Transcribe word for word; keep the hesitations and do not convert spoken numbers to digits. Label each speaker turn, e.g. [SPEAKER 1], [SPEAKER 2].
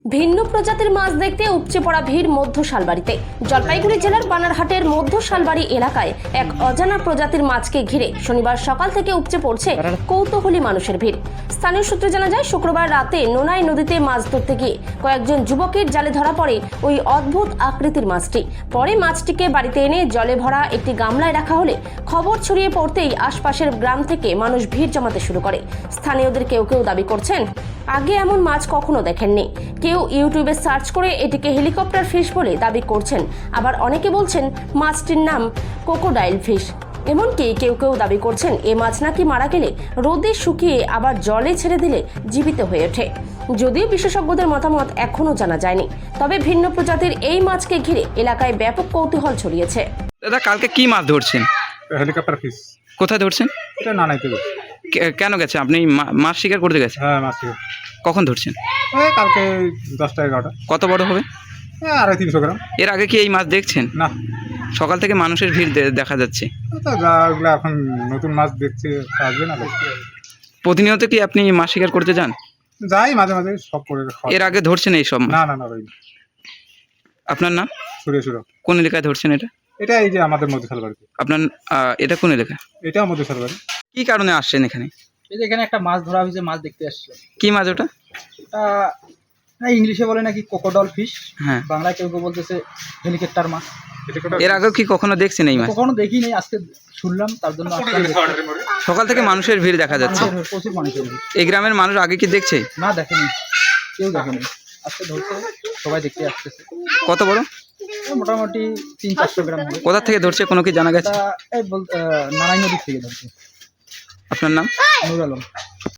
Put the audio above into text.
[SPEAKER 1] ভিন্ন প্রজাতির মাছ দেখতে উপচে পড়া ভিড় মধ্য শালবাড়িতে। জলপাইগুড়ি জেলার বানারহাটের মধ্য শালবাড়ি এলাকায় এক অজানা প্রজাতির মাছকে ঘিরে শনিবার সকাল থেকে উপচে পড়ছে কৌতূহলী মানুষের ভিড়। স্থানীয় সূত্রে জানা যায়, শুক্রবার রাতে নোনাই নদীতে মাছ ধরতে গিয়ে কয়েকজন যুবকের জালে ধরা পড়ে ওই অদ্ভুত আকৃতির মাছটি। পরে মাছটিকে বাড়িতে এনে জলে ভরা একটি গামলায় রাখা হলে খবর ছড়িয়ে পড়তেই আশপাশের গ্রাম থেকে মানুষ ভিড় জমাতে শুরু করে। স্থানীয়দের কেউ কেউ দাবি করছেন আগে এমন মাছ কখনো দেখেননি। কেউ ইউটিউবে সার্চ করে এটিকে হেলিকপ্টার ফিশ বলে দাবি করছেন, আবার অনেকে বলছেন মাছটির নাম ক্রোকোডাইল ফিশ। এমনকি কেউ কেউ দাবি করছেন এ মাছ নাকি মারা গেলে রোদে শুকিয়ে আবার জলে ছেড়ে দিলে জীবিত হয়ে ওঠে। যদিও বিশেষজ্ঞদের মতামত এখনো জানা যায়নি, তবে ভিন্ন প্রজাতির এই মাছকে ঘিরে এলাকায় ব্যাপক কৌতূহল ছড়িয়েছে।
[SPEAKER 2] দাদা, কালকে কি মাছ ধরছেন?
[SPEAKER 3] Helicopter fish.
[SPEAKER 2] কোথায় ধরছেন?
[SPEAKER 3] এটা নানাইতে গেছে।
[SPEAKER 2] কে- কেন গেছে? আপনি মা- মাছ শিকার করতে গেছেন?
[SPEAKER 3] হ্যাঁ, মাছ থেকে
[SPEAKER 2] কখন ধরছেন?
[SPEAKER 3] এই কালকে দশটা এগারোটা।
[SPEAKER 2] কত বড় হবে?
[SPEAKER 3] হ্যাঁ, আড়াই তিনশো গ্রাম।
[SPEAKER 2] এর আগে কি এই মাছ দেখছেন?
[SPEAKER 3] না,
[SPEAKER 2] সকাল থেকে মানুষের ভিড় দে- দেখা যাচ্ছে।
[SPEAKER 3] তো যা ওগুলো এখন নতুন মাছ দেখছে, আসবে না লোক।
[SPEAKER 2] প্রতিনিয়ত কি আপনি মাছ শিকার করতে যান?
[SPEAKER 3] যাই মাঝে মাঝে, সব করে খাওয়া।
[SPEAKER 2] এর আগে ধরছেন এই সব মাছ?
[SPEAKER 3] না না না ভাই,
[SPEAKER 2] আপনার নাম?
[SPEAKER 3] সুরে সুরে।
[SPEAKER 2] কোন এলাকায় ধরছেন এটা?
[SPEAKER 3] এটা এই যে আমাদের মধ্যে শালবাড়িতে।
[SPEAKER 2] আপনার আহ, এটা কোন এলাকা?
[SPEAKER 3] এটাও মধ্যে শালবাড়ি।
[SPEAKER 2] কি কারণে আসছেন এখানে?
[SPEAKER 4] এই যে এখানে একটা মাছ ধরা হয়েছে, মাছ দেখতে আসছে।
[SPEAKER 2] কি মাছ ওটা?
[SPEAKER 4] এটা না, ইংলিশে বলে নাকি ক্রোকোডাইল ফিশ,
[SPEAKER 2] হ্যাঁ।
[SPEAKER 4] বাংলায় কেউ কেউ বলতেছে হেলিকপ্টার মাছ।
[SPEAKER 2] এর আগেও কি কখনো দেখছেন এই মাছ?
[SPEAKER 4] কখনো দেখি নাই, আজকে শুনলাম, তার জন্য আসলাম দেখতে।
[SPEAKER 2] সকাল থেকে মানুষের ভিড় দেখা যাচ্ছে।
[SPEAKER 4] মানুষের প্রচুর মানুষের ভিড়।
[SPEAKER 2] এই গ্রামের মানুষ আগে কি দেখছে?
[SPEAKER 4] না, দেখেনি, কেউ দেখেনি, আজকে ধরছে, সবাই দেখতে আসতেছে।
[SPEAKER 2] কত বড়?
[SPEAKER 4] এই মোটামুটি তিন চারশো গ্রাম হবে।
[SPEAKER 2] কোথা থেকে ধরছে কোনো কি জানা গেছে?
[SPEAKER 4] এটা এই বল নারায়ণ নদীর থেকে ধরছে।
[SPEAKER 2] আপনার নাম?
[SPEAKER 4] নুর আলম।